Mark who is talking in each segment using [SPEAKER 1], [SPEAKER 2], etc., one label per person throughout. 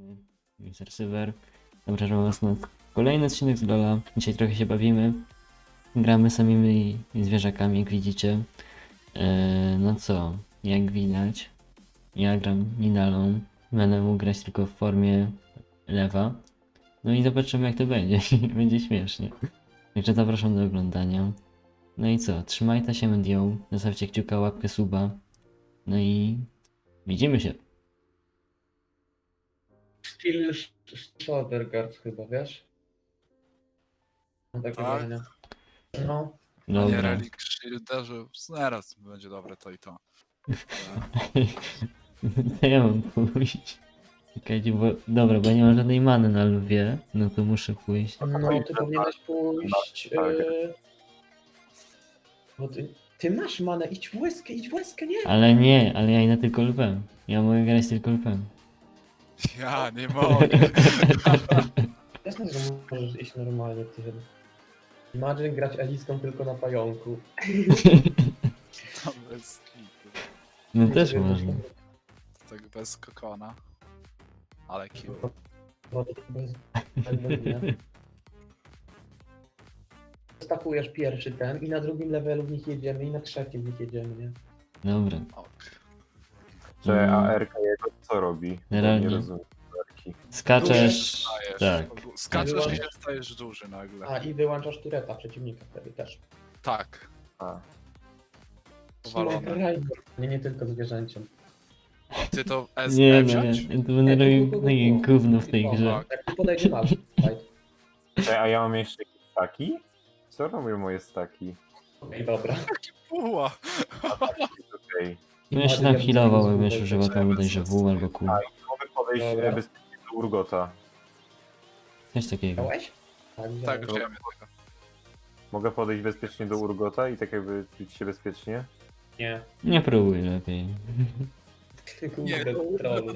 [SPEAKER 1] User Server. Zapraszam was na kolejny odcinek z LoL'a. Dzisiaj trochę się bawimy. Gramy samymi zwierzakami, jak widzicie. No co, jak widać, ja gram Nidalą. Będę mógł grać tylko w formie lewa. No i zobaczymy, jak to będzie. Będzie śmiesznie. Także zapraszam do oglądania. No i co, trzymajcie się medią, zostawcie kciuka, łapkę, suba. No i widzimy się.
[SPEAKER 2] Steel Sodergaard chyba, wiesz? Mam takie
[SPEAKER 3] Tak?
[SPEAKER 2] wrażenie. No,
[SPEAKER 3] A nie
[SPEAKER 1] Dobra.
[SPEAKER 3] Relic Shielderze, zaraz będzie dobre to i to.
[SPEAKER 1] To ja mam pójść. Czekajcie, bo... Dobra, bo nie mam żadnej many na lwie, no to muszę pójść.
[SPEAKER 2] no ty powinieneś pójść... Bo ty masz manę, idź w łezkę, nie?
[SPEAKER 1] Ale ja idę tylko lwem. Ja mogę grać tylko lwem.
[SPEAKER 3] Ja nie mogę.
[SPEAKER 2] Jasne, że możesz iść normalnie, ty. Imagine grać Eliską tylko na pająku.
[SPEAKER 3] To bez kitu.
[SPEAKER 1] No też można.
[SPEAKER 3] Tak bez kokona. Ale kill.
[SPEAKER 2] No to bez nie. Stakujesz pierwszy ten i na drugim levelu w nich jedziemy i na trzecim w nich jedziemy, nie?
[SPEAKER 1] Dobra.
[SPEAKER 3] Ok.
[SPEAKER 4] Że ARK jego co robi? Bo
[SPEAKER 1] Realnie.
[SPEAKER 4] Nie rozumiem ARki.
[SPEAKER 1] Skaczesz...
[SPEAKER 3] Stajesz.
[SPEAKER 1] Tak.
[SPEAKER 3] Skaczesz i się stajesz duży nagle.
[SPEAKER 2] A i wyłączasz tureta przeciwnika wtedy też.
[SPEAKER 3] Tak.
[SPEAKER 4] A.
[SPEAKER 3] Powalone.
[SPEAKER 2] Nie tylko zwierzęciem.
[SPEAKER 3] Ty to S
[SPEAKER 1] Nie, no
[SPEAKER 3] wziąć?
[SPEAKER 1] ja to będę robił takie gówno w tej grze.
[SPEAKER 2] Jak tu podejdzie masz, fight.
[SPEAKER 4] A ja mam jeszcze jakieś staki? Co robią moje staki?
[SPEAKER 2] Okej, dobra.
[SPEAKER 3] Puła.
[SPEAKER 4] Okej.
[SPEAKER 1] No ja się tam healował, jakbym już używał tam bodajże W albo Q.
[SPEAKER 4] Mogę podejść
[SPEAKER 2] Dobra.
[SPEAKER 4] bezpiecznie do Urgota.
[SPEAKER 1] Coś takiego.
[SPEAKER 2] Miałeś? Tak,
[SPEAKER 3] Tak,
[SPEAKER 2] wziąłem.
[SPEAKER 3] wiemy tego.
[SPEAKER 4] Mogę podejść bezpiecznie do Urgota i tak jakby czuć się bezpiecznie?
[SPEAKER 2] Nie.
[SPEAKER 1] Nie próbuj lepiej.
[SPEAKER 2] Kurde, trollu.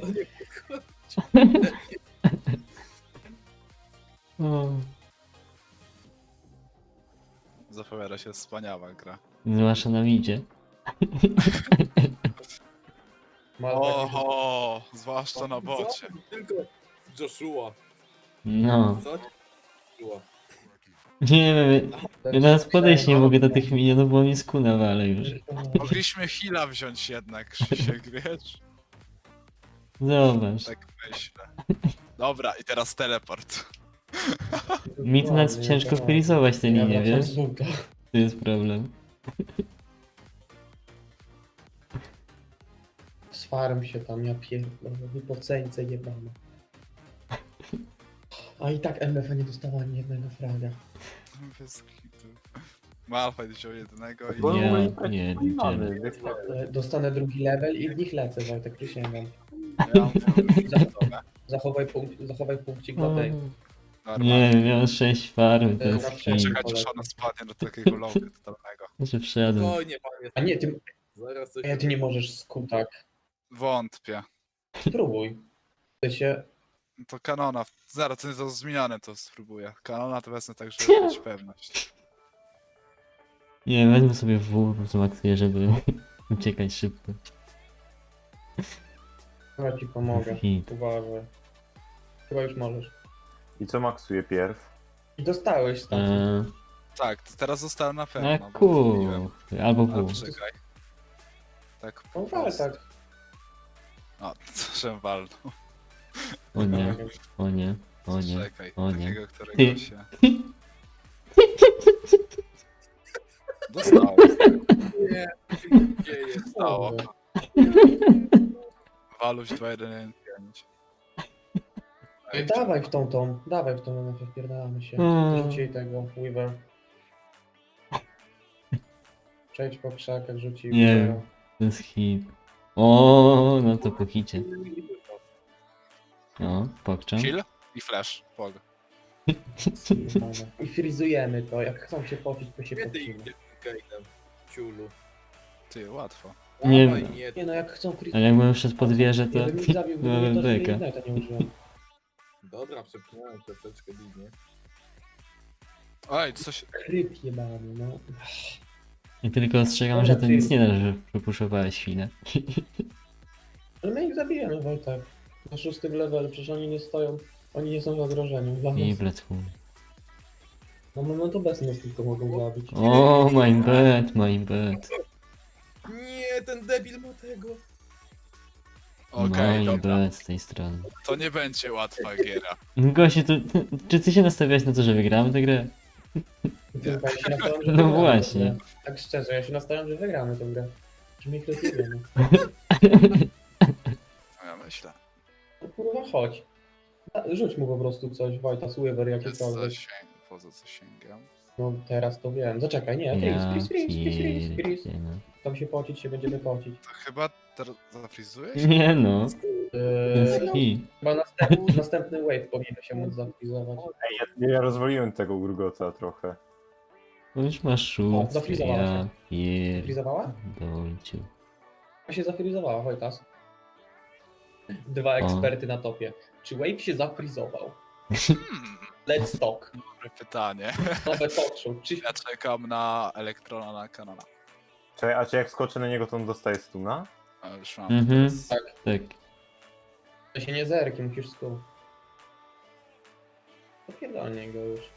[SPEAKER 1] O,
[SPEAKER 3] Zapowiada się wspaniała gra.
[SPEAKER 1] zwłaszcza na midzie.
[SPEAKER 3] Oho, zwłaszcza na bocie.
[SPEAKER 5] Tylko Joshua.
[SPEAKER 1] No.
[SPEAKER 5] Co? Joshua.
[SPEAKER 1] Nie wiem, ja teraz podejść nie mogę do tych minionów, bo mi skuna wale już.
[SPEAKER 3] Mogliśmy heala wziąć jednak, Krzysiek, wiesz?
[SPEAKER 1] Zobacz.
[SPEAKER 3] Tak myślę. Dobra, i teraz teleport.
[SPEAKER 1] Mi to nawet ciężko wpilizować te linie, wiesz?
[SPEAKER 2] z buta.
[SPEAKER 1] To jest problem.
[SPEAKER 2] Sfarm się tam, ja pierdolę, wypoceńce jebane. A i tak MF nie dostała ani jednego fraga.
[SPEAKER 3] Bez kitu. Malfight wziął jednego i...
[SPEAKER 4] Bo
[SPEAKER 1] Nie,
[SPEAKER 4] moje
[SPEAKER 1] nie,
[SPEAKER 4] traki
[SPEAKER 1] nie,
[SPEAKER 4] mamy.
[SPEAKER 2] Dostanę drugi level i w nich lecę, Wojtek, przysięgam.
[SPEAKER 3] Ja mam full.
[SPEAKER 2] Zachowaj punkcik dla tej.
[SPEAKER 1] Nie, miałem 6 farm, to
[SPEAKER 2] Na
[SPEAKER 1] jest
[SPEAKER 2] przeciw.
[SPEAKER 1] hit.
[SPEAKER 3] Czekać, aż ona spadnie do takiego logu totalnego.
[SPEAKER 1] Znaczy wszedłem.
[SPEAKER 5] Spokojnie, panie.
[SPEAKER 2] A nie, ty,
[SPEAKER 5] Zaraz coś...
[SPEAKER 2] ty nie możesz skutak.
[SPEAKER 3] Wątpię.
[SPEAKER 2] Spróbuj. Ty się...
[SPEAKER 3] To kanona. Zaraz, to jest zmieniane, to spróbuję. Kanona to wezmę tak, żeby mieć pewność.
[SPEAKER 1] Nie, wezmę sobie W, po prostu maksuję, żeby uciekać szybko.
[SPEAKER 2] Ja ci pomogę.
[SPEAKER 1] Hit.
[SPEAKER 2] Uważaj. Chyba już możesz.
[SPEAKER 4] I co maksuje pierw?
[SPEAKER 2] I dostałeś stąd.
[SPEAKER 3] Tak, to teraz zostałem na pewno.
[SPEAKER 1] Na
[SPEAKER 3] bo
[SPEAKER 1] Q.
[SPEAKER 3] wymieniłem.
[SPEAKER 1] Albo
[SPEAKER 3] Ale
[SPEAKER 1] W.
[SPEAKER 3] czekaj. Tak,
[SPEAKER 2] No
[SPEAKER 3] po
[SPEAKER 2] ale
[SPEAKER 3] prostu.
[SPEAKER 2] tak.
[SPEAKER 3] O, co się walnął.
[SPEAKER 1] O nie, o nie, o nie.
[SPEAKER 3] Czekaj,
[SPEAKER 1] o nie.
[SPEAKER 3] takiego, którego
[SPEAKER 1] Ty.
[SPEAKER 3] się... Dostałem.
[SPEAKER 5] Nie, nie jest.
[SPEAKER 3] Stało.
[SPEAKER 2] Kurde.
[SPEAKER 3] Waluś 2115.
[SPEAKER 2] Dawaj w tą, dawaj w tą, MF, wpierdalamy się. Rzucij tego, Weaver. Przejdź po krzakach, rzuci
[SPEAKER 1] Nie.
[SPEAKER 2] Weavera.
[SPEAKER 1] To jest hit. O, no to po hicie. O, pokczam.
[SPEAKER 3] Chill i flash. Pog.
[SPEAKER 2] I frizujemy to, jak chcą się pocić, to się
[SPEAKER 5] Nie ty
[SPEAKER 2] pocimy.
[SPEAKER 5] idzie Kainem. Ciulu.
[SPEAKER 3] Ty, łatwo.
[SPEAKER 1] Nie
[SPEAKER 5] Dawaj,
[SPEAKER 1] wiem.
[SPEAKER 5] nie.
[SPEAKER 2] Nie no, jak chcą
[SPEAKER 1] Ale jakbym wszedł pod wieżę, to...
[SPEAKER 2] Gdybym ich zabił, gdybym
[SPEAKER 1] byłem
[SPEAKER 2] to
[SPEAKER 1] beka.
[SPEAKER 2] Ignite'a nie użyłem.
[SPEAKER 5] Dobra, przepchnąłem troszeczkę linie.
[SPEAKER 3] Oj, coś...
[SPEAKER 2] Kryt jebany, no.
[SPEAKER 1] I tylko ostrzegam, że to nic nie da, że przepuszowałeś chwilę.
[SPEAKER 2] Ale my ich zabijemy, Wojtek. Na 6 levelu, przecież oni nie stoją, oni nie są zagrożeniem dla nas.
[SPEAKER 1] I blecku.
[SPEAKER 2] No to bez nas tylko mogą zabić.
[SPEAKER 1] O, my bad, my bad.
[SPEAKER 5] Nie, ten debil ma tego.
[SPEAKER 3] Okej,
[SPEAKER 1] My
[SPEAKER 3] dobra.
[SPEAKER 1] bad z tej strony.
[SPEAKER 3] To nie będzie łatwa giera.
[SPEAKER 1] Gościu, czy ty się nastawiałeś na to, że wygramy tę grę?
[SPEAKER 2] Tylko ja się nastawiam, że
[SPEAKER 1] No
[SPEAKER 2] wygramy
[SPEAKER 1] właśnie.
[SPEAKER 2] tę grę. Tak szczerze, ja się nastawiam, że wygramy tę grę. Czy my ich rozjebiemy?
[SPEAKER 3] No ja myślę.
[SPEAKER 2] No kurwa, chodź. Rzuć mu po prostu coś, Wojta, Sływer,
[SPEAKER 3] Jest
[SPEAKER 2] jakiekolwiek.
[SPEAKER 3] zasięg, poza zasięgiem.
[SPEAKER 2] No teraz to wiem. Zaczekaj, nie, freeze.
[SPEAKER 1] pierdzielę.
[SPEAKER 2] Tam się pocić, się będziemy pocić.
[SPEAKER 3] To chyba teraz zafrizujesz?
[SPEAKER 1] Nie no.
[SPEAKER 2] Eee,
[SPEAKER 1] I
[SPEAKER 2] chyba następny wave powinien się móc zaktywizować.
[SPEAKER 4] Ja rozwaliłem tego urgota trochę.
[SPEAKER 1] to już masz szóstkę,
[SPEAKER 2] zafrizowała
[SPEAKER 1] ja
[SPEAKER 2] Frizowała?
[SPEAKER 1] pierdolciu.
[SPEAKER 2] Ona się zafrizowała, Wojtas. Dwa eksperty na topie. Czy wave się zafrizował? Let's talk.
[SPEAKER 3] Dobre pytanie.
[SPEAKER 2] Nowe talk show. Czy
[SPEAKER 3] Ja czekam na Elektrona na kanale.
[SPEAKER 4] Czekaj, a czy jak skoczę na niego, to on dostaje stuna?
[SPEAKER 3] A już mam
[SPEAKER 1] Mhm.
[SPEAKER 3] teraz.
[SPEAKER 1] Tak.
[SPEAKER 2] to się nie zerki, musisz skup. Popierdolnie go już.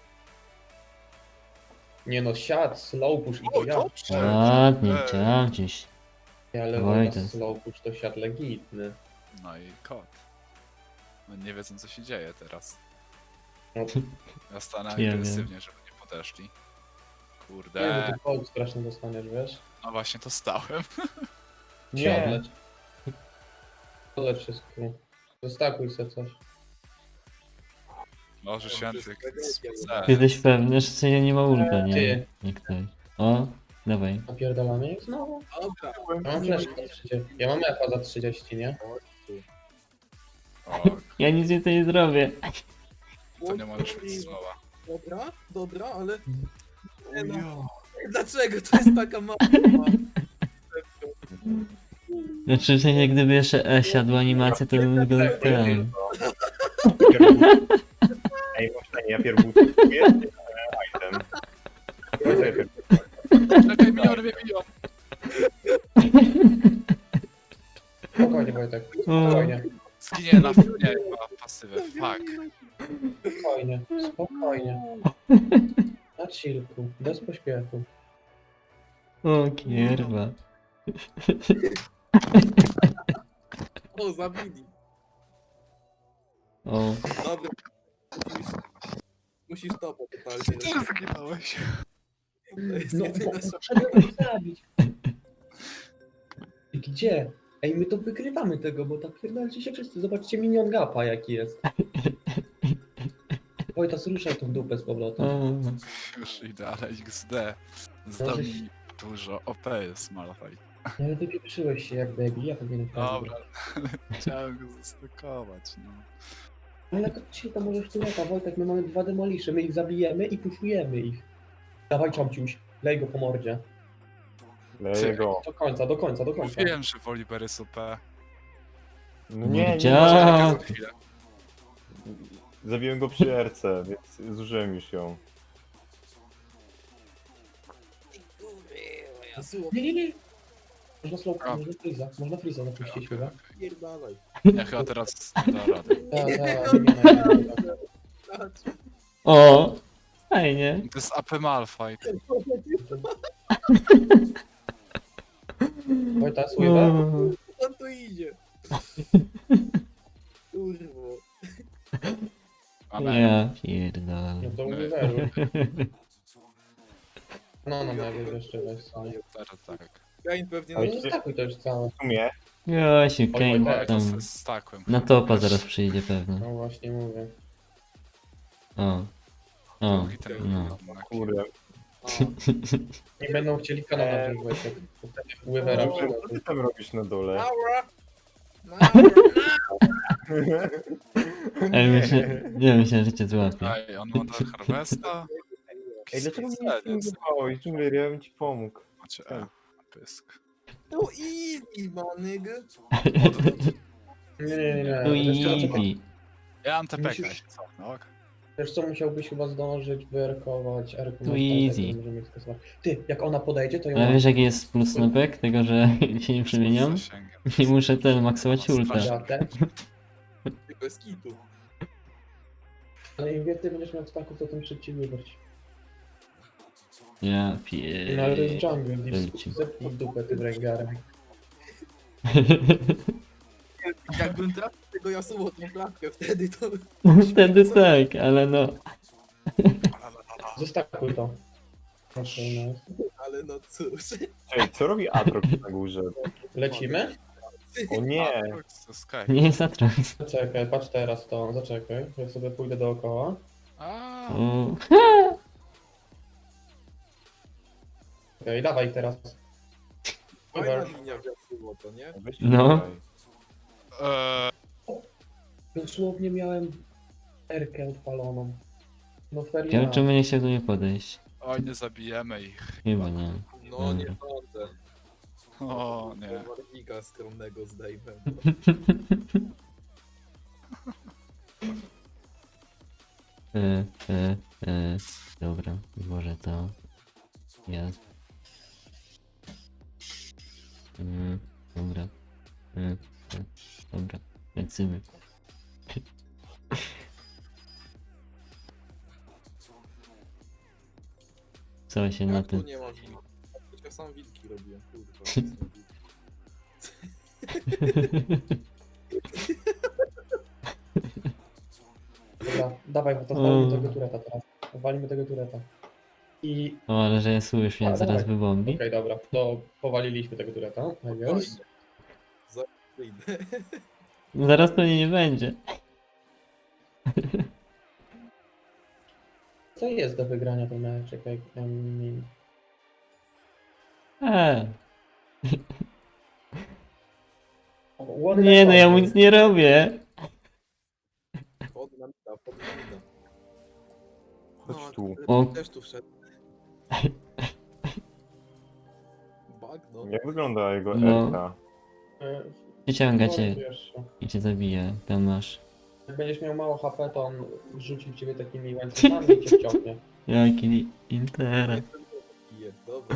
[SPEAKER 2] Nie no, siad, slow push i to
[SPEAKER 3] O,
[SPEAKER 2] ja.
[SPEAKER 3] dobrze!
[SPEAKER 1] Ładnie,
[SPEAKER 3] Ej.
[SPEAKER 1] chciałem gdzieś.
[SPEAKER 2] Ale
[SPEAKER 1] Wojtas.
[SPEAKER 2] Wojtas slow push to siad legitny.
[SPEAKER 3] No i kot. No nie wiedzą co się dzieje teraz.
[SPEAKER 2] No,
[SPEAKER 3] Ja stanę
[SPEAKER 1] Ja wiem.
[SPEAKER 3] agresywnie, żeby nie podeszli.
[SPEAKER 2] nie, bo
[SPEAKER 3] Kurde.
[SPEAKER 2] ty kołd strasznie dostaniesz, wiesz?
[SPEAKER 3] No właśnie to stałem.
[SPEAKER 2] Nie. Odlecz. Odlecz wszystko. Zostakuj sobie coś.
[SPEAKER 3] Możesz się
[SPEAKER 1] Ty jesteś pewny, że się nie ma ulta, nie?
[SPEAKER 2] Ty.
[SPEAKER 1] Nie ktoś. O, dawaj.
[SPEAKER 2] Napierdalamy ich znowu?
[SPEAKER 5] Dobra.
[SPEAKER 2] Ja mam flash za 30. Ja mam epa za 30, nie?
[SPEAKER 3] O,
[SPEAKER 1] Ja nic więcej nie zrobię.
[SPEAKER 3] to nie możesz mieć słowa.
[SPEAKER 5] Dobra, ale... Nie no. Dlaczego to jest taka mała?
[SPEAKER 1] Znaczy, w sensie, gdyby jeszcze siadła animacja, to bym go ten...
[SPEAKER 4] Ej, właśnie, ja pierw buduję item.
[SPEAKER 3] Czekaj, miniony mnie biją.
[SPEAKER 2] Spokojnie, Wojtek.
[SPEAKER 1] O,
[SPEAKER 2] Spokojnie.
[SPEAKER 3] Zginie na nie, ma pasywę. Fuck.
[SPEAKER 2] Spokojnie. Spokojnie. Na chillku. Bez pośpiechu.
[SPEAKER 1] o kierwa.
[SPEAKER 5] O, zabili.
[SPEAKER 1] O,
[SPEAKER 5] Dobra. Musisz to totalnie.
[SPEAKER 3] Ty zginąłeś.
[SPEAKER 5] To jest
[SPEAKER 2] No,
[SPEAKER 5] jedyna
[SPEAKER 2] trzeba ich zabić. Gdzie? Ej, my to wygrywamy tego, bo tak pierdolcie się wszyscy. Zobaczcie minion gapa jaki jest. Wojtas, ruszaj tą dupę z powrotem.
[SPEAKER 1] o.
[SPEAKER 3] Już idę, ale XD. Zdał mi dużo. OP jest Malphite.
[SPEAKER 2] No ale wypieprzyłeś się jak debil, ja powinienem
[SPEAKER 3] Dobra, chciałem go zastokować, no.
[SPEAKER 2] Ale ci to możesz tu lata, Wojtek, my mamy 2 demolisze, my ich zabijemy i puszujemy ich. Dawaj Czomciuś, lej go po mordzie.
[SPEAKER 4] Leję go.
[SPEAKER 2] Do końca.
[SPEAKER 3] Mówiłem, że Volibear jest OP.
[SPEAKER 4] No nie,
[SPEAKER 1] Widziałem.
[SPEAKER 3] Czekaj za chwilę.
[SPEAKER 4] zabiłem go przy RC, więc zużyłem już ją.
[SPEAKER 2] Nie. Można slowka,
[SPEAKER 3] A.
[SPEAKER 2] można freeza napuścić chyba.
[SPEAKER 5] Pierdalaj.
[SPEAKER 3] Ja chyba teraz da radę.
[SPEAKER 1] O, fajnie.
[SPEAKER 3] To jest AP Malphite.
[SPEAKER 2] Wojta,
[SPEAKER 1] O,
[SPEAKER 2] sływa?
[SPEAKER 5] On tu idzie. Kurwo.
[SPEAKER 3] Amen.
[SPEAKER 1] ja pierdolę.
[SPEAKER 2] No to uweruj. No, jeszcze weź sobie.
[SPEAKER 3] Teraz tak.
[SPEAKER 5] Kain pewnie
[SPEAKER 2] Ale
[SPEAKER 5] na
[SPEAKER 2] nie zostakuj to już całe.
[SPEAKER 4] W sumie,
[SPEAKER 1] Josiu,
[SPEAKER 2] Oj,
[SPEAKER 1] Kane
[SPEAKER 2] tak,
[SPEAKER 3] To
[SPEAKER 1] tam
[SPEAKER 3] z stakłem.
[SPEAKER 1] na topa zaraz przyjdzie pewnie.
[SPEAKER 2] No właśnie mówię.
[SPEAKER 1] O, o,
[SPEAKER 3] Drugi ten
[SPEAKER 1] no.
[SPEAKER 4] kurde.
[SPEAKER 2] Nie będą chcieli kanona wziąć Wojtek. Wywera
[SPEAKER 4] Co ty tam robisz na dole?
[SPEAKER 5] Maura!
[SPEAKER 1] Ej, myślę, że cię złapię.
[SPEAKER 3] Ej, on ma do Harvesta?
[SPEAKER 4] Ej, dlaczego mnie nie
[SPEAKER 3] Jakiś
[SPEAKER 4] zbywałeś? Dżungler, ja bym ci pomógł.
[SPEAKER 3] Macie pysk.
[SPEAKER 5] To easy, manig.
[SPEAKER 2] Nie.
[SPEAKER 1] No
[SPEAKER 2] Wiesz co,
[SPEAKER 1] easy.
[SPEAKER 3] Ja mam TPK.
[SPEAKER 2] Musisz-
[SPEAKER 3] Co? No, ok.
[SPEAKER 2] Wiesz co, musiałbyś chyba zdążyć wyrkować Erku.
[SPEAKER 1] To
[SPEAKER 2] masz tak,
[SPEAKER 1] easy.
[SPEAKER 2] tak, możemy ich skasować. Ty, jak ona podejdzie, to ją...
[SPEAKER 1] Ale wiesz jaki jest plus snopek tego, że się nie przemieniam?
[SPEAKER 3] Z zasięgiem.
[SPEAKER 1] I muszę ten maksować ulta.
[SPEAKER 2] Sprawdziatę.
[SPEAKER 5] Bez kitu.
[SPEAKER 2] Ale im więcej będziesz miał staków, to tym szybciej wybrać.
[SPEAKER 1] Ja
[SPEAKER 2] No ale to jest
[SPEAKER 1] pier...
[SPEAKER 2] jungle,
[SPEAKER 1] Wielci.
[SPEAKER 2] zepnij w dupę tym Rengarem.
[SPEAKER 5] Jakbym trafił tego Yasuo tą klatkę wtedy, to...
[SPEAKER 1] Wtedy tak, ale no.
[SPEAKER 2] Zostakuj to. Okej, no.
[SPEAKER 5] Ale no cóż.
[SPEAKER 4] Ej, co robi Atrox na górze?
[SPEAKER 2] Lecimy?
[SPEAKER 4] O nie!
[SPEAKER 3] To Sky.
[SPEAKER 1] Nie jest Atrox.
[SPEAKER 2] Zaczekaj, patrz teraz to, zaczekaj. Ja sobie pójdę dookoła.
[SPEAKER 3] A,
[SPEAKER 1] O.
[SPEAKER 2] Okej, dawaj teraz.
[SPEAKER 5] Fajna linia w Yasuo, to nie?
[SPEAKER 4] Weź
[SPEAKER 1] No.
[SPEAKER 4] tutaj.
[SPEAKER 2] Dosłownie miałem R-kę odpaloną. No
[SPEAKER 1] Ciekawe,
[SPEAKER 2] feria.
[SPEAKER 1] czemu nie chciał do mnie podejść.
[SPEAKER 3] oj, nie zabijemy ich.
[SPEAKER 1] Chyba nie.
[SPEAKER 5] No nie sądzę.
[SPEAKER 3] O nie.
[SPEAKER 5] Warnika skromnego zdejmę.
[SPEAKER 1] Dobra, może to. Jest. Dobra. Dobra, lecimy. Co się na
[SPEAKER 5] Jak tu
[SPEAKER 1] tym...
[SPEAKER 5] nie ma wilki? Ja sam wilki robiłem, kurwa.
[SPEAKER 2] Dobra, dawaj, bo to walimy tego tureta teraz. Walimy tego tureta. I...
[SPEAKER 1] O, ale że ja słyszę, mnie
[SPEAKER 2] A,
[SPEAKER 1] zaraz
[SPEAKER 2] dawaj.
[SPEAKER 1] wybombi.
[SPEAKER 2] Okej, dobra, to powaliliśmy tego tureta. Tak jest.
[SPEAKER 5] Wyjdę.
[SPEAKER 1] Zaraz to nie będzie.
[SPEAKER 2] Co jest do wygrania ten mecz? Czekaj,
[SPEAKER 1] Nie no, ja mu nic nie robię.
[SPEAKER 5] Pod na mida, pod na mida.
[SPEAKER 4] Chodź tu.
[SPEAKER 1] O.
[SPEAKER 5] Też tu wszedł. Bagno.
[SPEAKER 4] Jak wygląda jego
[SPEAKER 1] No.
[SPEAKER 4] Elka?
[SPEAKER 1] Przyciąga cię i cię zabija. Tam masz.
[SPEAKER 2] Jak będziesz miał mało HP, to on rzuci w ciebie takimi łańcuchami i cię wciągnie.
[SPEAKER 1] Jaki interes.
[SPEAKER 5] Bije, dobra.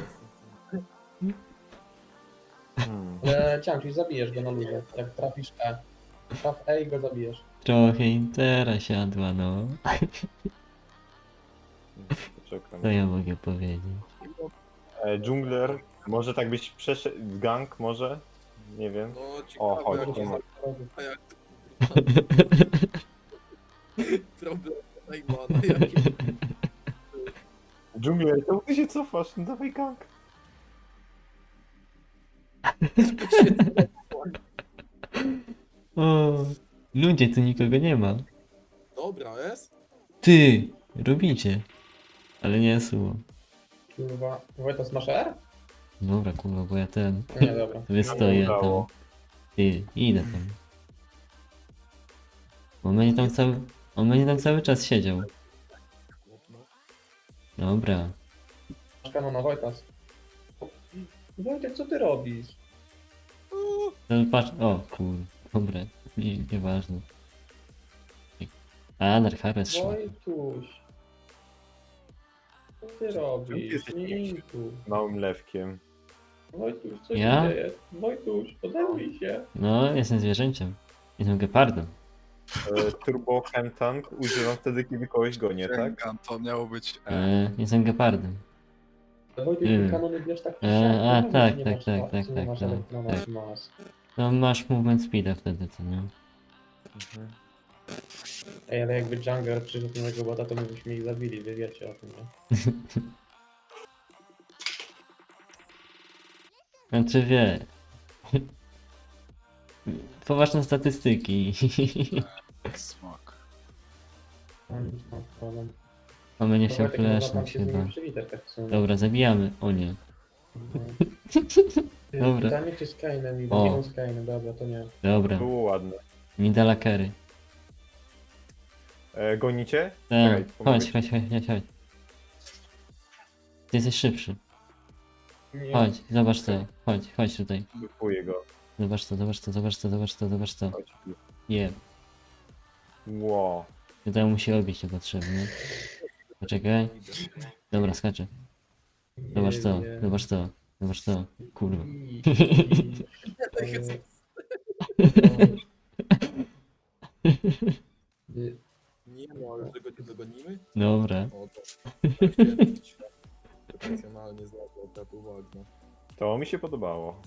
[SPEAKER 2] Ale ciąg, zabijesz go na luzie. Jak trafisz E. Traf E i go zabijesz.
[SPEAKER 1] Trochę intera siadła, no.
[SPEAKER 4] Czekam.
[SPEAKER 1] Co ja mogę powiedzieć?
[SPEAKER 4] Dżungler, może tak byś przeszedł w gang, może? Nie wiem.
[SPEAKER 5] No
[SPEAKER 4] O,
[SPEAKER 5] ciekawe,
[SPEAKER 4] chodź,
[SPEAKER 5] jak
[SPEAKER 4] nie ma.
[SPEAKER 5] a jak problem Najmana, jakie
[SPEAKER 4] Dżungler, to ty się cofasz, no dawaj gang.
[SPEAKER 1] O, ludzie, tu nikogo nie ma.
[SPEAKER 5] Dobra, jest?
[SPEAKER 1] Ty, robicie. Ale nie suło.
[SPEAKER 2] Kurwa. Wojtas, masz R?
[SPEAKER 1] Dobra, kurwa, bo ja ten
[SPEAKER 2] Nie, dobra.
[SPEAKER 1] wystoję tam.
[SPEAKER 4] udało.
[SPEAKER 1] Ty, idę tam. On będzie tam cały czas siedział.
[SPEAKER 5] No.
[SPEAKER 1] Dobra.
[SPEAKER 2] Masz kanona, Wojtas. Wojtek, co ty robisz?
[SPEAKER 1] To patrz, o kur... Dobra, nieważne. A, Dark Harvest szło.
[SPEAKER 2] Wojtuś. Co ty robisz?
[SPEAKER 4] jesteś
[SPEAKER 2] Nie tu.
[SPEAKER 4] Małym lewkiem.
[SPEAKER 2] Wojtuś, co
[SPEAKER 1] Ja?
[SPEAKER 2] się dzieje? Wojtuś, odezwij się.
[SPEAKER 1] No, jestem zwierzęciem. Jestem gepardem.
[SPEAKER 4] Turbo Chem Tank używam wtedy, kiedy kogoś gonię, tak?
[SPEAKER 3] Rengan, to miało być
[SPEAKER 1] Jestem gepardem.
[SPEAKER 2] Wojtuś,
[SPEAKER 1] Nie
[SPEAKER 2] ty
[SPEAKER 1] wiem.
[SPEAKER 2] kanony bierz tak
[SPEAKER 1] A,
[SPEAKER 2] nie
[SPEAKER 1] tak,
[SPEAKER 2] masz
[SPEAKER 1] tak, tak,
[SPEAKER 2] ma-
[SPEAKER 1] tak,
[SPEAKER 2] nie
[SPEAKER 1] tak,
[SPEAKER 2] masz
[SPEAKER 1] tak,
[SPEAKER 2] elektrona,
[SPEAKER 1] tak.
[SPEAKER 2] masz.
[SPEAKER 1] No masz movement speeda wtedy, co nie?
[SPEAKER 2] Ej, ale jakby Jungler przyszedł do mojego bota, to my byśmy ich zabili, wy wiecie o tym, nie?
[SPEAKER 1] Znaczy wie. Poważne statystyki.
[SPEAKER 3] Smak.
[SPEAKER 2] Mam problem.
[SPEAKER 1] Mamy nie
[SPEAKER 2] To
[SPEAKER 1] chciał
[SPEAKER 2] Wojtek, można tam
[SPEAKER 1] flashnąć
[SPEAKER 2] się z
[SPEAKER 1] chyba.
[SPEAKER 2] nimi przywitać tak w sumie.
[SPEAKER 1] Dobra, zabijamy. O nie. Dobra.
[SPEAKER 2] Pytanie czy z Kainem i
[SPEAKER 1] O.
[SPEAKER 2] nie z Kainem, dobra, to nie.
[SPEAKER 1] Dobra.
[SPEAKER 4] Było ładne.
[SPEAKER 1] Nidala Kerry.
[SPEAKER 4] Gonicie?
[SPEAKER 1] Tak.
[SPEAKER 4] Czekaj, pomogę
[SPEAKER 1] Chodź, chodź, chodź, chodź, chodź. Ty jesteś szybszy.
[SPEAKER 2] Nie.
[SPEAKER 1] Chodź, zobacz to. Chodź, chodź tutaj.
[SPEAKER 4] Bufuję go.
[SPEAKER 1] Zobacz to, zobacz to, zobacz to, zobacz to, zobacz to.
[SPEAKER 4] Chodź tu.
[SPEAKER 1] Je.
[SPEAKER 4] Wow.
[SPEAKER 1] Tutaj musi obić się potrzebnie. Poczekaj. Dobra, skaczę. Zobacz to,
[SPEAKER 2] Nie.
[SPEAKER 1] zobacz to, zobacz to. Kurwa.
[SPEAKER 4] mi się podobało.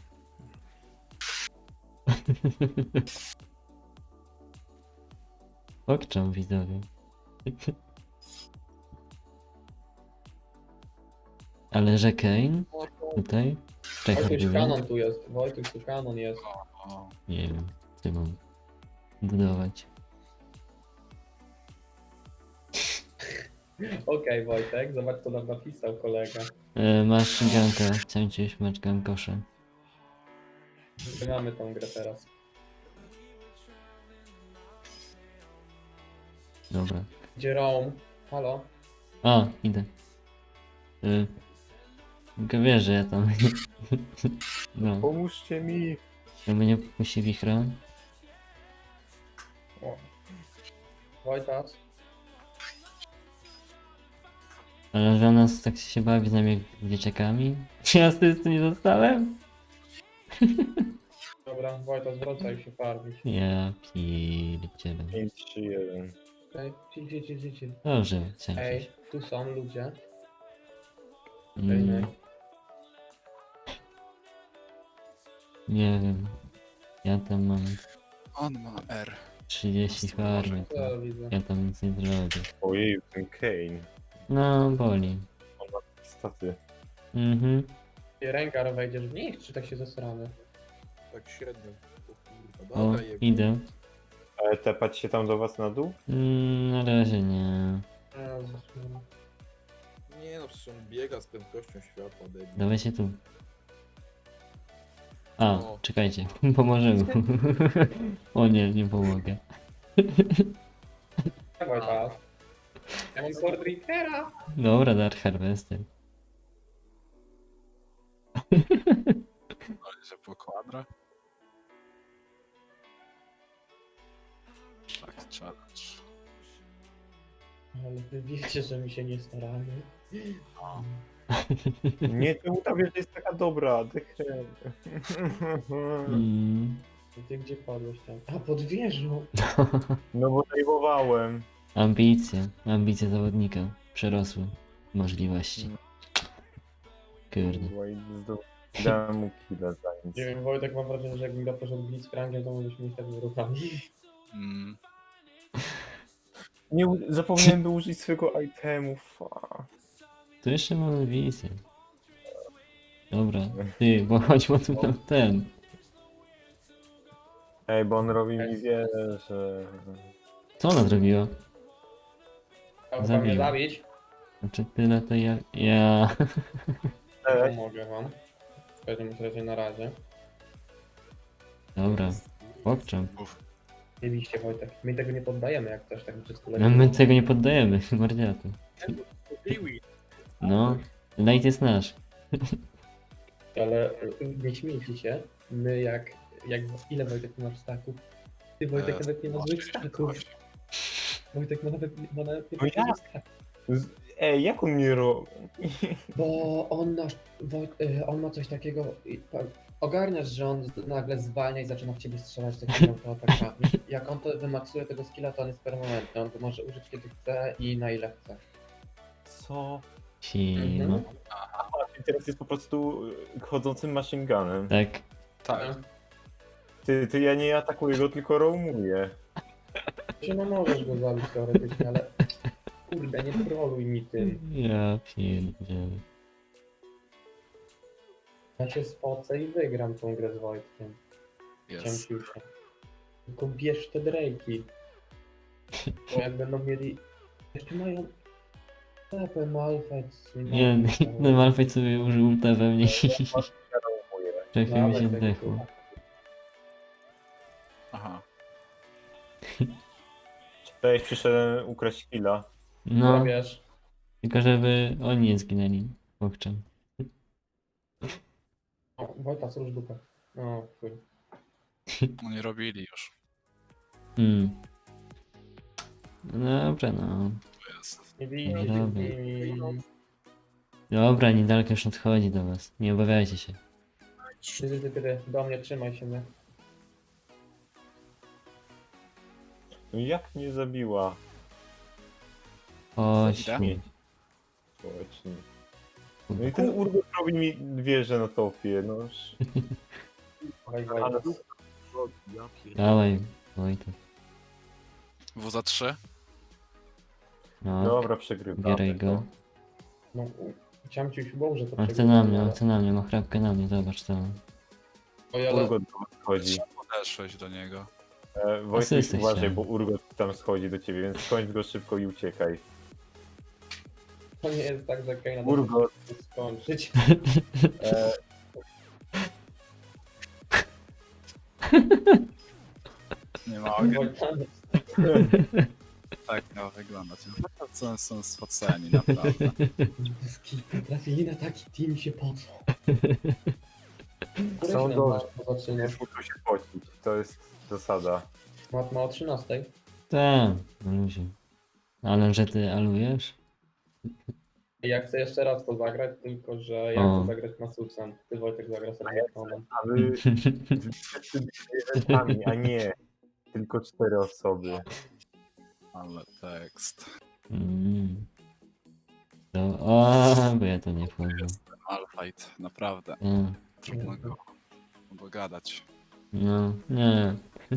[SPEAKER 1] Pokczam widzowie. Ale że Kane
[SPEAKER 5] O, to
[SPEAKER 1] tutaj? Czekaj,
[SPEAKER 2] Wojtuś kanon tu jest. Wojtuś tu kanon jest.
[SPEAKER 3] O,
[SPEAKER 1] nie wiem, co mam budować.
[SPEAKER 2] Okej, Wojtek, zobacz co nam napisał kolega.
[SPEAKER 1] Masz ganka, chciałem ci już mać gankosze.
[SPEAKER 2] My mamy tą grę teraz.
[SPEAKER 1] Dobra.
[SPEAKER 2] Gdzie Rome? Halo?
[SPEAKER 1] A, idę. Tylko wiesz, że ja tam... No,
[SPEAKER 4] Pomóżcie mi!
[SPEAKER 1] to mnie puści wichra.
[SPEAKER 2] O. Wojtas?
[SPEAKER 1] Ale że ona tak się bawi z nami jak dzieciakami. Ja z tym nie dostałem?
[SPEAKER 2] Dobra, Wojtas, wracaj się farmić.
[SPEAKER 1] Ja pierdzielę.
[SPEAKER 4] 5, 3, 1.
[SPEAKER 2] Okej, chill.
[SPEAKER 1] Dobrze, chciałem
[SPEAKER 2] Ej,
[SPEAKER 1] coś.
[SPEAKER 2] tu są ludzie.
[SPEAKER 1] Mm, nie wiem. Ja tam mam
[SPEAKER 3] on ma R.
[SPEAKER 1] 30 farmy, to
[SPEAKER 2] Co widzę?
[SPEAKER 1] ja tam nic nie zrobię.
[SPEAKER 4] Ojej, ten Kane.
[SPEAKER 1] No, boli.
[SPEAKER 4] On ma staty.
[SPEAKER 1] Mhm.
[SPEAKER 2] Rengar wejdziesz w nich, czy tak się zesramy?
[SPEAKER 5] tak średnio. O kurwa,
[SPEAKER 1] O,
[SPEAKER 5] dobra, jeb.
[SPEAKER 1] idę.
[SPEAKER 4] Ale tepać się tam do was na dół?
[SPEAKER 1] Na razie nie.
[SPEAKER 2] Jezus, no.
[SPEAKER 5] Nie no, przecież on biega z prędkością światła, debil.
[SPEAKER 1] Dawajcie tu. A,
[SPEAKER 5] O.
[SPEAKER 1] czekajcie, pomożemy. O nie, nie pomogę.
[SPEAKER 2] Wojtas. Ja mam Sword Reapera.
[SPEAKER 1] Dobra, Dark Harvester.
[SPEAKER 3] Ale że po kwadra. Tak, challenge.
[SPEAKER 2] Ale wy wiecie, że mi się nie staramy.
[SPEAKER 3] O,
[SPEAKER 4] Nie, czemu ta wieża jest taka dobra? Dechrem.
[SPEAKER 1] Mm.
[SPEAKER 2] Ty gdzie padłeś tam? A, pod wieżą.
[SPEAKER 4] No bo zajmowałem.
[SPEAKER 1] Ambicje zawodnika przerosły możliwości. Kurde.
[SPEAKER 4] Dałem mu killa za nic.
[SPEAKER 2] Nie wiem, Wojtek, mam wrażenie, że jakbym go poszedł Blitzcrankiem, to mogliśmy mieć takimi ruchami.
[SPEAKER 3] mm,
[SPEAKER 4] Nie, zapomniałem by użyć swojego itemu.
[SPEAKER 1] Tu jeszcze mamy wizję. Dobra, ty, bo chodź, bo tu tam ten.
[SPEAKER 4] Ej, bo on robi mi wieżę.
[SPEAKER 1] Co ona zrobiła?
[SPEAKER 2] Chciałby
[SPEAKER 1] Zabił.
[SPEAKER 2] mnie zabić?
[SPEAKER 1] Znaczy tyle to ja...
[SPEAKER 4] Ej,
[SPEAKER 2] Pomogę wam. W każdym razie na razie.
[SPEAKER 1] Dobra, pokczam.
[SPEAKER 3] uf.
[SPEAKER 2] Mieliście, Wojtek. My tego nie poddajemy, jak coś tak czysto
[SPEAKER 1] No my tego nie poddajemy, mordiatu.
[SPEAKER 5] Liwi.
[SPEAKER 1] No, light jest nasz.
[SPEAKER 2] Ale nie śmiejcie się. My jak ile Wojtek masz staków? Ty, Wojtek, nawet nie ma złych staków. Wojtek ma nawet nie
[SPEAKER 4] No
[SPEAKER 2] ma
[SPEAKER 4] jak?
[SPEAKER 2] złych staków.
[SPEAKER 4] Ej, jak on mnie robi?
[SPEAKER 2] Bo on on ma coś takiego. Ogarniasz, że on nagle zwalnia i zaczyna w ciebie strzelać takimi autoatakami. Jak on to wymaksuje tego skilla, to on jest permanentny. On go może użyć kiedy chce i na ile chce.
[SPEAKER 4] Co?
[SPEAKER 1] Sima.
[SPEAKER 2] Mhm.
[SPEAKER 4] A teraz jest po prostu chodzącym machine gunem.
[SPEAKER 1] Tak.
[SPEAKER 3] Tak,
[SPEAKER 4] Ty, ja nie atakuję go, tylko roamuję.
[SPEAKER 2] Czy no możesz go zabić teoretycznie, ale kurde, nie troluj mi tym.
[SPEAKER 1] Ja pierdzielę.
[SPEAKER 2] Ja się spocę i wygram tą grę z Wojtkiem.
[SPEAKER 3] jest.
[SPEAKER 2] Cięciusia. Tylko bierz te Drake'i. Bo jak będą mieli... Jeszcze mają... Tapę Malfec.
[SPEAKER 1] Nie, ten Malfight sobie użył ulta we mnie.
[SPEAKER 4] Ja roamuję.
[SPEAKER 1] Trochę mi się zdechło.
[SPEAKER 3] Aha.
[SPEAKER 4] Cześć, przyszedłem ukraść killa.
[SPEAKER 1] No,
[SPEAKER 2] Wiesz,
[SPEAKER 1] tylko żeby oni nie zginęli. Pokczam.
[SPEAKER 2] o, Wojtas, rusz dupę. O, chuj.
[SPEAKER 3] Oni robili już.
[SPEAKER 1] No dobra, no.
[SPEAKER 3] To jest.
[SPEAKER 2] Nie bijcie
[SPEAKER 1] Dobra.
[SPEAKER 2] się z nimi.
[SPEAKER 1] Dobra, niedaleko już nadchodzi do was. Nie obawiajcie się.
[SPEAKER 2] Ty, do mnie, trzymaj się mnie.
[SPEAKER 4] No jak mnie zabiła?
[SPEAKER 1] Chodź.
[SPEAKER 3] Idę?
[SPEAKER 4] Śmieć. Społecznie. No i ten Urgot robi mi wieżę na topie, no.
[SPEAKER 2] Dawaj,
[SPEAKER 4] Ale-
[SPEAKER 2] Wojtek.
[SPEAKER 5] Ja pierdolę.
[SPEAKER 1] Dawaj, Wojtek.
[SPEAKER 3] W za 3.
[SPEAKER 1] No,
[SPEAKER 4] Dobra, przegrywamy.
[SPEAKER 1] bieraj go.
[SPEAKER 2] No, chciałem ci już było, że to
[SPEAKER 1] On chce
[SPEAKER 2] przegrywamy,
[SPEAKER 1] na mnie, on
[SPEAKER 2] ale-
[SPEAKER 1] chce na mnie, ma chrapkę na mnie, zobacz to.
[SPEAKER 2] Oj, ale
[SPEAKER 4] Urgot do was schodzi.
[SPEAKER 3] Podeszłeś do niego.
[SPEAKER 4] Wojtek,
[SPEAKER 1] Asysty
[SPEAKER 4] uważaj,
[SPEAKER 1] chciałem.
[SPEAKER 4] bo Urgot tam schodzi do ciebie, więc skończ go szybko i uciekaj.
[SPEAKER 2] to nie jest tak, że Kaina
[SPEAKER 4] Urgot.
[SPEAKER 2] da się skończyć.
[SPEAKER 4] E,
[SPEAKER 3] Nie mogę.
[SPEAKER 2] Wojtany.
[SPEAKER 3] Tak miało wyglądać. Co są spoceni, naprawdę.
[SPEAKER 2] Trafili na taki team się pocą. Który
[SPEAKER 4] Są
[SPEAKER 2] się
[SPEAKER 4] dobrze.
[SPEAKER 2] zaczyna?
[SPEAKER 4] nie muszą się pocić, to jest zasada.
[SPEAKER 2] Ma o 13.
[SPEAKER 1] Tak, no ludzie. Ale że ty alujesz?
[SPEAKER 2] Ja chcę jeszcze raz to zagrać, tylko że ja
[SPEAKER 1] O.
[SPEAKER 2] chcę zagrać Masusem. Ty Wojtek zagra sobie Rektonem.
[SPEAKER 4] A wy wszyscy zwierzętami, a nie tylko 4 osoby.
[SPEAKER 3] Ale tekst.
[SPEAKER 1] Mm. To, o, bo ja to nie wchodzę.
[SPEAKER 3] Malfight, naprawdę. Trudno go dogadać.
[SPEAKER 1] No, nie.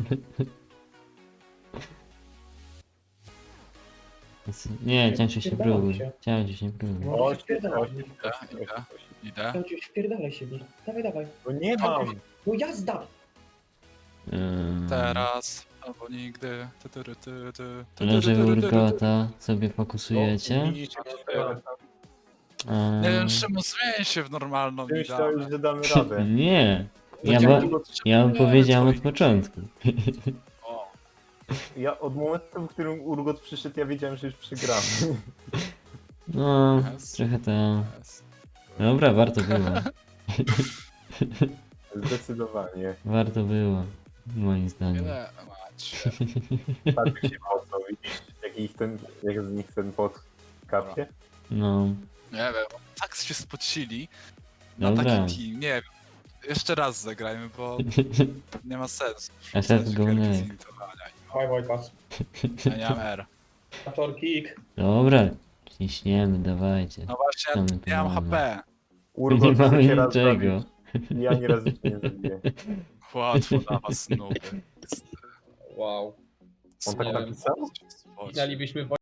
[SPEAKER 1] Nie, cięciu się próbuj. Cięciu się próbuj.
[SPEAKER 2] No,
[SPEAKER 4] O,
[SPEAKER 2] wpierdalaj.
[SPEAKER 3] Idę.
[SPEAKER 2] Cię wpierdalaj się, Bil. Dawaj, dawaj.
[SPEAKER 4] No nie mam!
[SPEAKER 2] No jazda!
[SPEAKER 3] Teraz, albo nigdy.
[SPEAKER 1] Leży Urgota, sobie fokusujecie.
[SPEAKER 4] Widzicie,
[SPEAKER 3] Nie wiem, czemu zmień się w normalną
[SPEAKER 4] ty
[SPEAKER 3] idealną.
[SPEAKER 4] myślałeś, że damy radę.
[SPEAKER 1] Nie, ja,
[SPEAKER 3] Będziemy
[SPEAKER 1] bo,
[SPEAKER 3] potrzebujemy
[SPEAKER 1] ja wam powiedziałem od
[SPEAKER 3] twoich-
[SPEAKER 1] początku.
[SPEAKER 3] O,
[SPEAKER 4] Ja od momentu, w którym Urgot przyszedł, ja wiedziałem, że już przegramy.
[SPEAKER 1] No,
[SPEAKER 3] Jest.
[SPEAKER 1] trochę tam.
[SPEAKER 3] jest.
[SPEAKER 1] Dobra, warto było.
[SPEAKER 4] Zdecydowanie.
[SPEAKER 1] Warto było, moim zdaniem.
[SPEAKER 3] Ile macie?
[SPEAKER 4] Tak się mocno, widzisz, jak z nich ten pot kapie?
[SPEAKER 1] No,
[SPEAKER 3] Nie wiem, tak się spocili na
[SPEAKER 1] dobra.
[SPEAKER 3] taki team. Nie wiem. Jeszcze raz zagrajmy, bo nie ma sensu.
[SPEAKER 1] FF
[SPEAKER 3] Wrzucać
[SPEAKER 1] go
[SPEAKER 3] gierki
[SPEAKER 1] neck.
[SPEAKER 3] z intowania.
[SPEAKER 2] Dawaj, Wojtas.
[SPEAKER 3] Ja nie mam R.
[SPEAKER 2] Kaczor kick.
[SPEAKER 1] Dobra, ciśniemy, dawajcie.
[SPEAKER 3] No właśnie,
[SPEAKER 1] Co my tu
[SPEAKER 3] nie mam
[SPEAKER 1] mamy?
[SPEAKER 3] HP.
[SPEAKER 4] Urgot
[SPEAKER 1] Nie mamy
[SPEAKER 4] chce cię raz
[SPEAKER 1] niczego.
[SPEAKER 4] zabić. Ja ani razu cię nie zabiję.
[SPEAKER 3] Łatwo dla was nuby.
[SPEAKER 2] Wow.
[SPEAKER 4] On tak
[SPEAKER 2] Nie wiem.
[SPEAKER 4] napisał?
[SPEAKER 2] Znalibyśmy